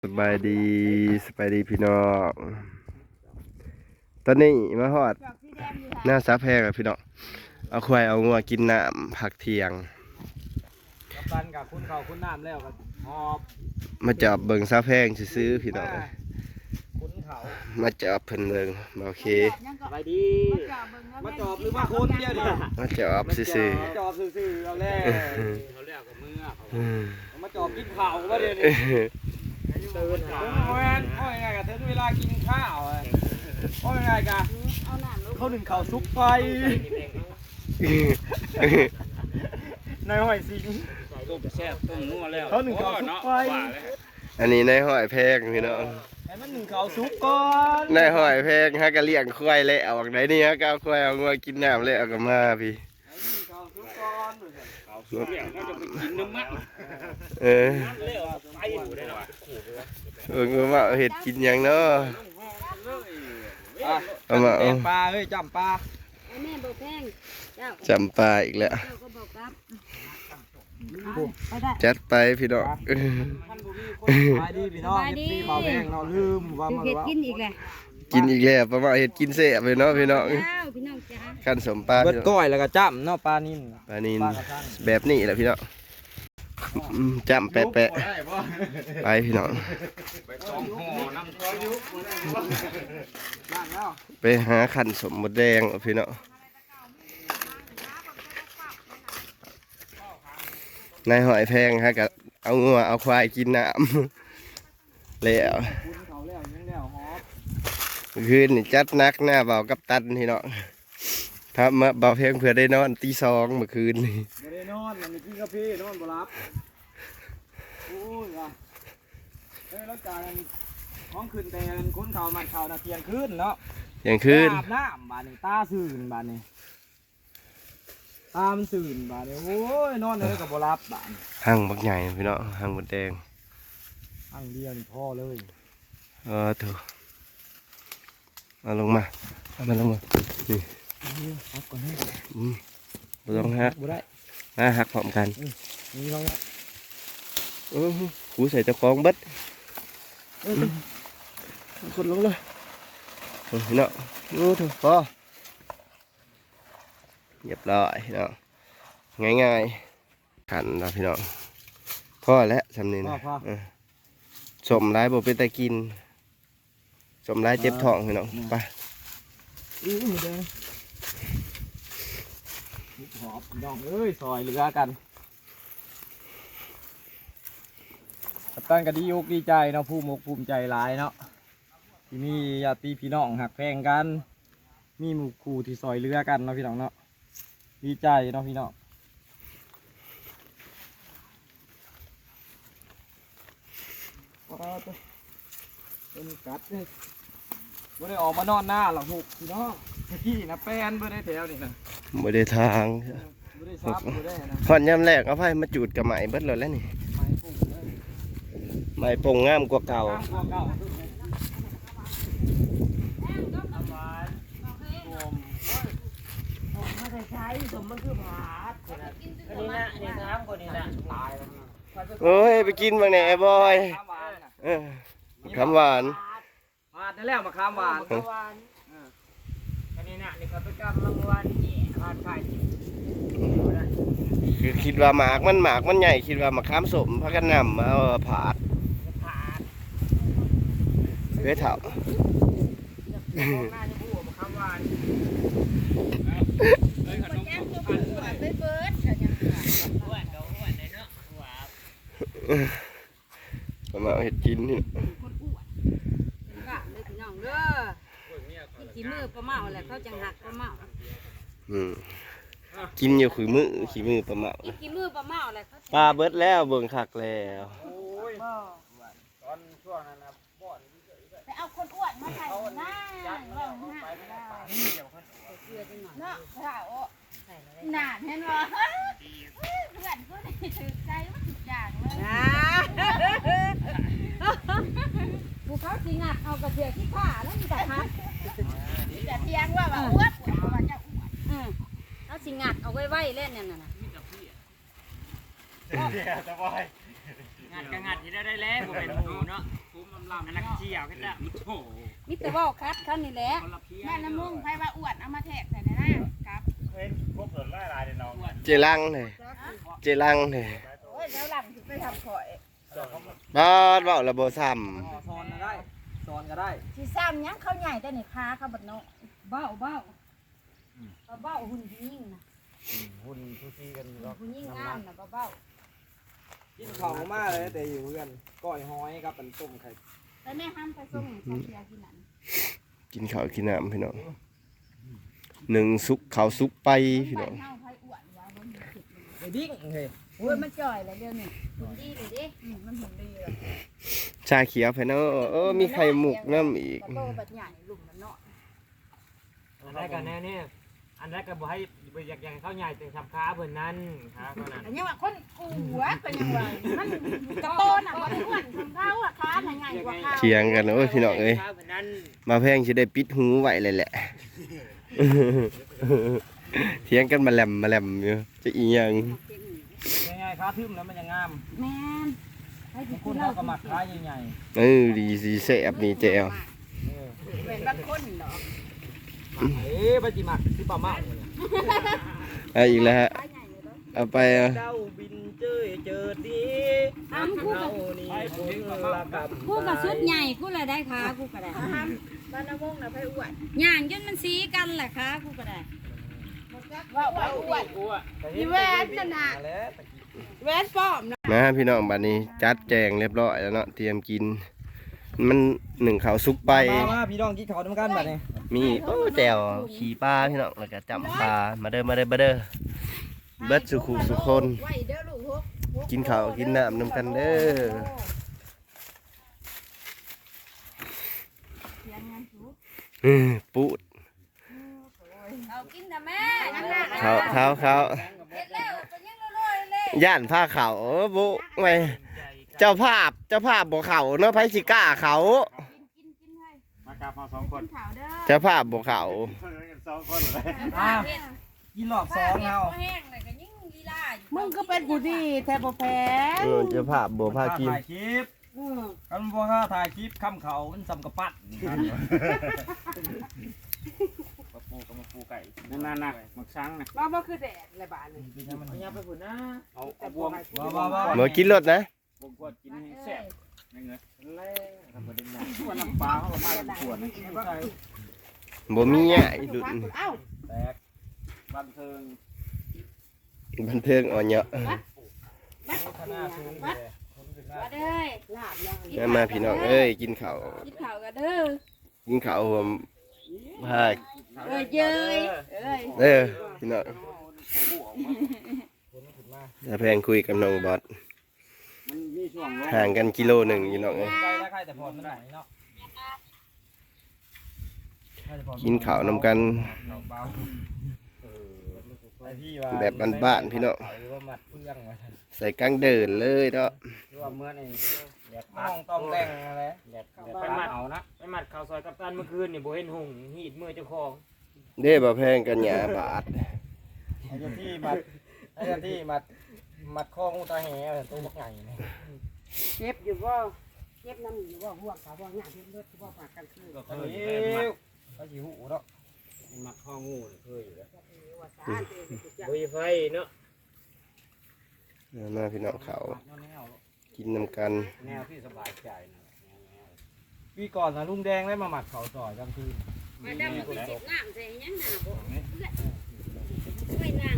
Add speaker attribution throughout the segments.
Speaker 1: สบายดีพี่น้องตอนนี้มาฮอดหน้าซับแพงอะพี่น้องเอาควายเอางัวกินน้ำผักเที่ยง
Speaker 2: กับตันกับคุณเขาคุณน้ำแล้วก็หอบ
Speaker 1: มาจับเบิ่งซับแพงซื้อพี่น้อง
Speaker 2: คุณเขา
Speaker 1: มาจับเพิ่นเบิ่งโอเค
Speaker 2: ไปดีมาจอบหรือว่าคุณเดียวดิ
Speaker 1: มาจับซื้อ
Speaker 2: มาจอบซื่อๆเราแล้วเขาเรียกกับมือเขามาจอบกินข้าวว่าเดี๋ยวนี้ตื่นหาโอ้ยไงกับถึงเวลากินข้าวโอ้ยไงกันเขาหนึ่งข้าวซุปไฟในหอยสิงต้มแซ่บต้มนัวแล้วเขาหนึ่งข้าวซุปไฟ
Speaker 1: อันนี้ในห้อยแพงพี่น้อง
Speaker 2: ให้มันหนึ่งข้าวซุปก่อน
Speaker 1: ในห้อยแพงฮะก็เลี้ยงควายแล้วออกไหนนี่ฮะก็เอาควายเอางัวกินน้ำแล้วก็มาพี่
Speaker 2: ข้าวซุปก่อนข้าวซุปเนี่ยเขาจะไปกินน้ำมัน
Speaker 1: เออว่าเห็ดกินยังเนาะเอามาเอา
Speaker 2: ปลาเฮ้ยจำปลา
Speaker 3: แม่บอกแพงเจ้า
Speaker 1: จำปลาอีกแล้ว
Speaker 3: เจ้าก็บอกครับไปได้
Speaker 1: จัดไปพี่น้อง
Speaker 2: ไปดีพี่น้องพี่เบาแพงเราลืมว่า
Speaker 3: คือ
Speaker 2: มา
Speaker 3: เห็ด
Speaker 2: ว่า
Speaker 3: กินอีกเลย
Speaker 1: กินอีกแล้วประมาณเห็ดกินเสียไปเนาะพี่น้อง
Speaker 3: เจ้าพี่น้องจ้า
Speaker 1: ขั้นสมปลา
Speaker 2: เบิดก้อยแล้วก็จ้ำเนาะปลานิ่ม
Speaker 1: ปลานินแบบนี้แหละพี่น้องจำแปะไปพี่น้องไปหาขันสมมดแดงพี่น้องนายหอยแพงฮะกับเอางัวเอาควายกินน้ำแล้วคืนนี่จัดนักหน้าเบากับตันพี่น้องครับมาเบาเพลงเพื่อได้นอนตีสองเมื่อคืนนี่
Speaker 2: ไม่ได้นอนมันมีกินกาแฟนอนบ่รับโอ้ยว่ะเฮ้ยแล้วการห้องคืนแต่คนเขามันเขาน่ะเที่ยงคืนเนาะ
Speaker 1: อย่างคืน
Speaker 2: อาบน้ำบานนี้ตาสื่นบานนี้ตามันสื่นบานนี้โอ้ยนอนเลยกับบ่รับบาน
Speaker 1: หั่งบักใหญ่พี่น้องหั่งหมดแดง
Speaker 2: อังเดียวนี่พ่อเลย
Speaker 1: ถูกเอาลงมาเอามันลงมานี่
Speaker 2: ฮักก่อนให้
Speaker 1: บ่ต้องหัก
Speaker 2: บ่ได้
Speaker 1: มาหักพร้อมกัน
Speaker 2: นี่เขาเนี่ย
Speaker 1: หูใส่เจ้าของเบัดคนลงเลยพี่น้องถูกพอเรียบร้อยพี่น้องง่ายๆขันนะพี่น้องพ่อแล้วสำนีนะสมร้ายบ่เป็นตะกินสมร้ายเจ็บท้องพี่น้องไป
Speaker 2: มือแดงหอบน้องเอ้ยซอยเรือกันกัปตันก็ดีอกดีใจเนาะภูมิอกภูมิใจหลายเนาะที่มีญาติพี่น้องหักแพงกันมีหมู่คู่ที่ซอยเรือกันเนาะพี่น้องเนาะดีใจเนาะพี่น้องเป็นกัดเลยบ่ได้ออกมานอนหน้าหรอกหุบพี่น้องพี่นะแป้นบ่ได้แถวนี่นะ
Speaker 1: บ่ได้ทาง
Speaker 2: บ่ได้ซับบ่ได้นะ
Speaker 1: พอดยามแรกเอาไฟมาจูดกับไหมเบิดเลยแล้วนี่
Speaker 2: ไม้ปุ่งเลย
Speaker 1: ไหมปงงามกว่าเก่า
Speaker 2: ข้างตัวเก่า
Speaker 3: มาใส่ใช้สมมันคือผาด
Speaker 4: อันนี้นะอันนี้น้ำกว่านี้นะ
Speaker 2: ตายแล้ว
Speaker 1: โอ้ยไปกินบางแหน่บอย
Speaker 2: ข้ามหวานน่ะ
Speaker 1: คำหวาน
Speaker 2: หวานนั่นแหละมาข้ามหวาน
Speaker 4: อันนี้นะนี่ก็ไปกำลังวันนี่ทานไข่
Speaker 1: คือคิดว่าหมากมันใหญ่คิดว่ามาข้ามสมพากันนำมาเอาผาด
Speaker 4: ผ่าน
Speaker 1: เว้ยเถ่า
Speaker 4: ของหน้าที่ผู้มาคำวัน
Speaker 3: ไปเบิดกันยัง
Speaker 4: อ้วนก็อ้วนเลยเนาะว้าว
Speaker 1: มาเอาเห็ดกินนี่
Speaker 3: คนอ้วนเป็นกะเลยพี่น้องเด้อขี้มือปลาเมาแหละเขาจังหักปลาเมา
Speaker 1: กินอยู่ขี้มือประมาณ
Speaker 3: อีกขี้มือปลาเมาแหละเขา
Speaker 1: ปลาเบิดแล้วเบิ่งคักแล้ว
Speaker 2: โอ้ยตอนช่วงนั้นนะบ่อน
Speaker 3: ไปเอาคนอ้วนมาใส่หน้าเราหน้าเนาะค่ะโอ้หนาเห็นบ่เพื่อนก็ได้ถือใจว่าทุกอย่างเลยผู้เขาสิงัดเอากระเทียมขี้ข้าแล้วมีแต่ฮัก
Speaker 5: จะเทียงว่าอ้วนว่าจะอ้วน
Speaker 3: เขาสิงัดเอาไว้เล่นนั่นน่ะ
Speaker 2: จะบ่อย
Speaker 4: งัดก็งัดที่ได้แล้วผมเป็นหมูเนาะหมู
Speaker 2: ลำนักเที่ยวกันละโอ้
Speaker 3: มิแต่ว่าคัดเขานี่แหละ
Speaker 2: คนละเพี้ย
Speaker 3: แม่น้ำมุ่งไผว่าอ้วนเอามาแทกใส่ในหน้าครับ
Speaker 1: เจรังเลยเจรังเลย
Speaker 5: โอ้ยแล้วหลังถึงไปทำข่อย
Speaker 1: บ้านเว้าระบ่ซ้
Speaker 2: ซอนก็ได้ซอนก็ได้
Speaker 5: สิซ้ำยังเขาใหญ่แต่นี่ค้าเขาบัดเนาะ
Speaker 3: เบ้าหุ่นยิ่งนะ
Speaker 2: หุ่นทุกทีกันอยู่แล้ว
Speaker 3: หุ่นยิ่งงามนะเบ้า
Speaker 2: กินข้าวมากเลยแต่อยู่เพื่อนก้อยหอยกับเป็นต้มไข่
Speaker 3: แต่แม่ห้ามไปส่งใส่เสียกินนั่น
Speaker 1: ำกินข้าวกินน้ำพี่น้องหนึ่งสุกข้าวสุกไปพี่น้อง
Speaker 3: เฮาไผอ้วนว่าบ่มีผิดเลย
Speaker 2: ไอ้ดิ้งเฮ้ย
Speaker 5: โอ้ยมันจ่อยเลยเดี๋ยวนี้
Speaker 3: หุ่นดีเลยเด้
Speaker 5: มันหุ่นดีเลย
Speaker 1: ชาเขียวพี่น้องมีไข่หมุกน้ำอีก
Speaker 5: กระโตบัดใหญ่ลุ่มมันเนาะ
Speaker 4: อันแรกกันแน่เนี่ยอันแรกก็บอกให้อยากเข้าใหญ่เป็นสับขาเพิ่นนั้นขาเท่านั้น
Speaker 5: อันนี้ว่าคนหัวเป็นยังไงมันกระโตน่ะบ่ได้อ้วนของเขาอ่ะค้าน่ะใหญ่กว่าเขา
Speaker 1: เถียงกันโอ้ยพี่น้องเอ้ย
Speaker 4: ขาเพิ่นนั้น
Speaker 1: มาแพงสิได้ปิดหูไว้เลยแหละ เถียงกันมาแหลมอยู่จะอีหยัง
Speaker 2: ยังไงขาทึ่มแล้วมันยังงาม
Speaker 3: แม่นให้
Speaker 2: บางค
Speaker 3: กิ
Speaker 2: น
Speaker 3: น
Speaker 2: เขาก็หมักขาใหญ่
Speaker 1: ดีสิแซ่บนี่แจ๋ว
Speaker 5: เป็นบางคนเหรอ
Speaker 2: ๆปฏิมักที่ป่ามาเนี่ย
Speaker 1: เอาอีกแล้วฮะ
Speaker 5: ค้าใหญ่เลยเนาะ
Speaker 1: เอาไป
Speaker 2: เจ้าบินเจอเจอดี
Speaker 3: อ้ํกูก็
Speaker 2: นี่คนละกับ
Speaker 3: กูก็สุดใหญ่กูเลยได้ขากูก็ได้
Speaker 5: ห้ามบ้านน้ำมุ่งน่ะไผอ้วน
Speaker 3: ย่างจนมันสีกันแหละขากูก็ได้
Speaker 5: ว่าอ้วน
Speaker 2: กูอ่ะ
Speaker 5: อีแวนนั่นน่ะ
Speaker 2: แล้ว
Speaker 5: แวนป้อมนะ
Speaker 1: มาพี่น้องบัดนี้จัดแจงเรียบร้อยแล้วเนาะเตรียมกิน มันหนึ่งข้าวสุกไป
Speaker 2: มาพี่น้องกินข้าวด้วยกันบัดนี้
Speaker 1: มีแจ่วขี่ปลาพี่น้องแล้วก็จำปลามาเด้อเบิดสุขุสุคน
Speaker 5: ไว้เด้อลูกฮก
Speaker 1: กินข้าวกินน้ำนำกันเด้อ
Speaker 3: เสียงงานสู
Speaker 1: ปูด
Speaker 3: เอากินนะแม่
Speaker 1: เขา
Speaker 3: เฮ็ดแล้วก็ยังรอยๆเลย
Speaker 1: ย่านผ้าเขาบุไงเจ้าภาพบ่เขาเนาะไผสิกล้าเขา
Speaker 3: กินให้
Speaker 6: มากราบมา2 คน
Speaker 3: ข่าวเด้อ
Speaker 1: เจ้าภาพบ่เขา
Speaker 6: 2 คนเลย
Speaker 2: กินรอบสองเอา
Speaker 3: แห้งเลยก็ยิ่งลีลาอยู่
Speaker 5: มึงก็เป็นผู้ดีแท้บ่แพ้
Speaker 1: เจ้าภาพบ่พากิน
Speaker 2: ถ่ายคลิปกันบ่ค่าถ่ายคลิปคำเขามันสำกระปัด
Speaker 6: มาปูไก่นั่นน่ะหมึกช้างน่ะ
Speaker 5: ว่าบ่คือแดดละบาดนี่
Speaker 4: อย่าไปพุ่นนะ
Speaker 6: เอาบวง
Speaker 1: บ่กินรถนะ
Speaker 6: บวงกวดกินให้แซ่บนั่นไงแล่ทำประเด็นนั้นส่วนน้ำปลาเขามาเป็นขวดนะ
Speaker 1: บ่มีอ่ะอีดุน
Speaker 5: เอ้า
Speaker 2: แตก
Speaker 6: บันเทิง
Speaker 1: บันเทิงอ่อนเยอะ
Speaker 2: ขนาดสูงเลย
Speaker 3: มาเด้อ
Speaker 5: ลาบยัง
Speaker 1: มาพี่น้องเอ้ยกินข้าว
Speaker 3: กินข่าวกันเด้อ
Speaker 1: กินข้าวผมพา
Speaker 3: เย้ย
Speaker 1: พี่น้องจะแพงคุยกับน้องบอส
Speaker 6: มันมีช่วงลง
Speaker 1: ห่างกันกิโลหนึ่งพี่น้องเอ้ย
Speaker 2: ใกล้แล้วใกล้แต่พอไม่ได้เนาะ
Speaker 1: กินข้าวนำกัน แบบบ้านๆพี่น้อง
Speaker 2: ว่ามัดเพื่องไว้
Speaker 1: ใส่กังเดินเลยเนาะ
Speaker 6: ว่าเมื่อนี่แดด
Speaker 2: ต้องต้องแต่งอะไร
Speaker 6: ไปมัดเอานะ
Speaker 4: ไปมัดข่าวซอยกัปตันเมื่อคืนนี่บ่เห็นหุ่งหีดมือเจ้าของ
Speaker 1: เด้บ่แพงกันหยาบาท
Speaker 2: ไอ้ที่มัดข้องูตาแห่ตัวบักใหญ่เนี่ย
Speaker 5: เจ็บอยู่บ่เจ็บน้ำอยู่บ่ห่วงเขาบ่หยาเฮ็ดรถบ่ปากกันคือ
Speaker 2: ก็เคยเขาสิหูเนาะ
Speaker 6: มัดข้องูเคยอยู่แล้ว
Speaker 5: ว่าสาเตจะ
Speaker 4: บ่มีไฟเนาะ
Speaker 1: มาพี่น้องเขาวกินนำกัน
Speaker 6: แนวที่สบายใจนะ
Speaker 2: ปีก่อนนะลุงแดงได้มาหมัดเขาต่อยกลางคืน
Speaker 3: มาดำคือสิน้ำใส่ยังหน้าบ่ไม่นั่ง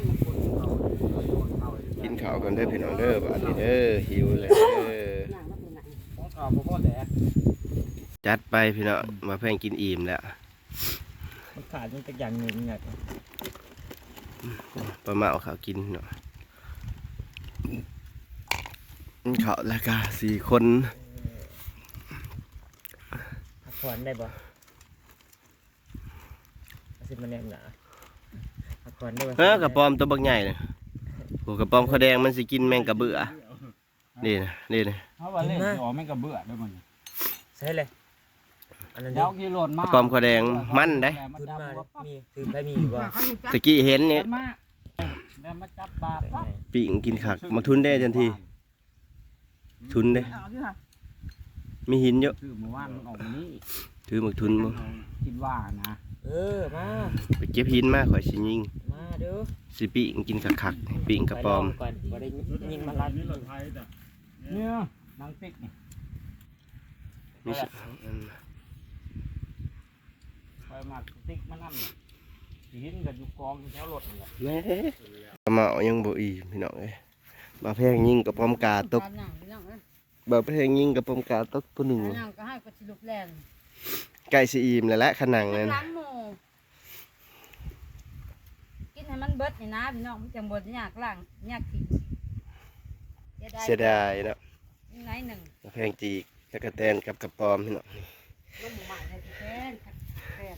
Speaker 1: กินข้าวกันเด้อพี่น้องเด้อบาดนี้เด้อหิวเลยเด้อ
Speaker 5: นั่งแล้วเป็นหนัง
Speaker 2: ของข่าวพ่อแดด
Speaker 1: จัดไปพี่น้องมาแพงกินอิ่มแล้ว
Speaker 2: มันขาดมันเป็นอย่างหนึ่งเนี่ย
Speaker 1: ประมาเอาข้าวกินเนาะข้าวราคา4 คน
Speaker 4: พักผ่อนได้บ่สิมาแนมหนาพักผ่อนได้บ่
Speaker 1: กระปอมตัวบักใหญ่เลยโอ้กระปอมข้าวแดงมันสิกินแมงกะเบื่อนี่นะ
Speaker 6: เพราะว่าเล่นอ๋อแม่งก็เบื่อด้วยมัน
Speaker 4: ใช่เลยอันนั้น
Speaker 6: เดี๋ยวกี่โหลด
Speaker 1: ก
Speaker 6: มา
Speaker 1: ระปอมข้าวแดงมันได้
Speaker 4: ขึ้นมามีคือไปมีอยู่บ่
Speaker 1: ตะกี้เห็นนี่
Speaker 6: มาแล้วมาจับบาป
Speaker 1: ปิ่งกินขักมาทุนได้ทันทีทุนได้
Speaker 5: เอาอยู่ค่ะ
Speaker 1: มีหินเยอะ
Speaker 6: คือเมื่อวานมันออกมานี้
Speaker 1: ถือหมึกทุนบ่
Speaker 6: คิดว่านะ
Speaker 4: มา
Speaker 1: ไปเก็บหินมาข่อยสิยิง
Speaker 4: มาเด้อ
Speaker 1: สิปิ้งกินคักๆปิ้งกระปอม
Speaker 4: ก่อนบ่ได้ยิงมาลัด
Speaker 6: เนี่ยนางติ๊กนี่
Speaker 1: มีสิ
Speaker 6: คอยมาติ๊กมานั่นหินกับอยู่กองแถวรถนี่แหละ
Speaker 1: แม่กระเหมายังบ่อีพี่น้องเอ้ยบ่แพงยิงกระปอมกาตก
Speaker 5: หนังพี่น้องเอ้ย
Speaker 1: บ่แพงยิงกระปอมกาตกตัวหนึง
Speaker 5: หนังก็ให้กระสิลุกแรง
Speaker 1: ใกล้สิอิ่มแล้วละขนังนั่น
Speaker 5: ล้างหมูกินให้มันเบิดนี่นะพี่น้องมันจังบ่ยากล้างยากทิ้ง
Speaker 1: เสียดายเนาะ
Speaker 5: ไหนหนึ่ง
Speaker 1: บ่แพงจีกตะกะแตนกับกระปอมพี่น้อง
Speaker 5: ลูกหมูหมาในที่แฟนแฟน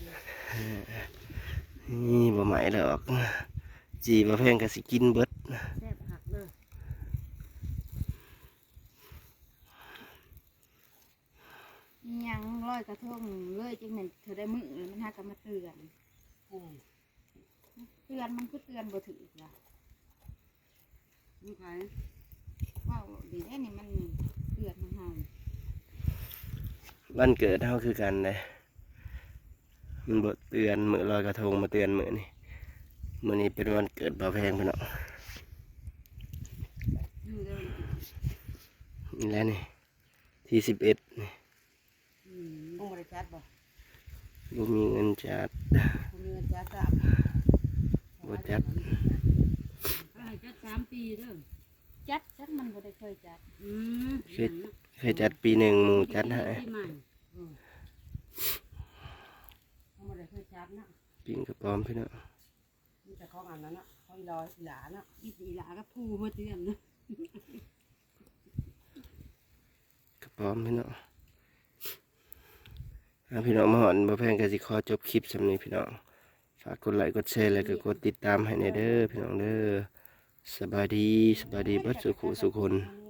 Speaker 1: นี่บ่ไหมหรอกจีบ่แพงก็สิกินเบิด
Speaker 5: แซ่บหักเลยยังร้อยกระทงเลยจังเหม็นเธอได้มือมันหากันมาเตือนเตือนมันคือเตือนบ่ถือละนี่ใครว้าวดีแน่นี่มันเตือนมันเฮา
Speaker 1: วันเกิดเฮาคือกันเลยมันบ่เตือนมื้อลอยกระทงมาเตือนมื้อนี้มื้อนี้เป็นวันเกิดบ่แพงพี่น้อง
Speaker 5: อยู่เลย
Speaker 1: นี่แหละนี่ที่11นี่
Speaker 5: ต้องบริจาคบ่
Speaker 1: บ่มีเงินจัด
Speaker 5: คุณเงินจัดจับ
Speaker 1: บ่จัด
Speaker 5: ให้จัด3 ปีเด้อจัดมันบ่ได้เคยจัด
Speaker 1: เคยจัดปีหนึ่งหมู่จัดให้
Speaker 5: ปีใหม่บ่ได้เคยจัดนะ
Speaker 1: ปิ้งกระปอมพี่น้อง
Speaker 5: มีแต่ของอันนั้นน่ะของลอยหลาน่ะอีหลาก็พูมาเตือนนะ
Speaker 1: กระปอมพี่น้องพี่น้องมาหอนบ่แพงก็สิขอจบคลิปสำนี้พี่น้องฝากกดไลค์กดแชร์แล้วก็กดติดตามให้ในเด้อพี่น้องเด้อสบายดีเบิดสุขสุขคน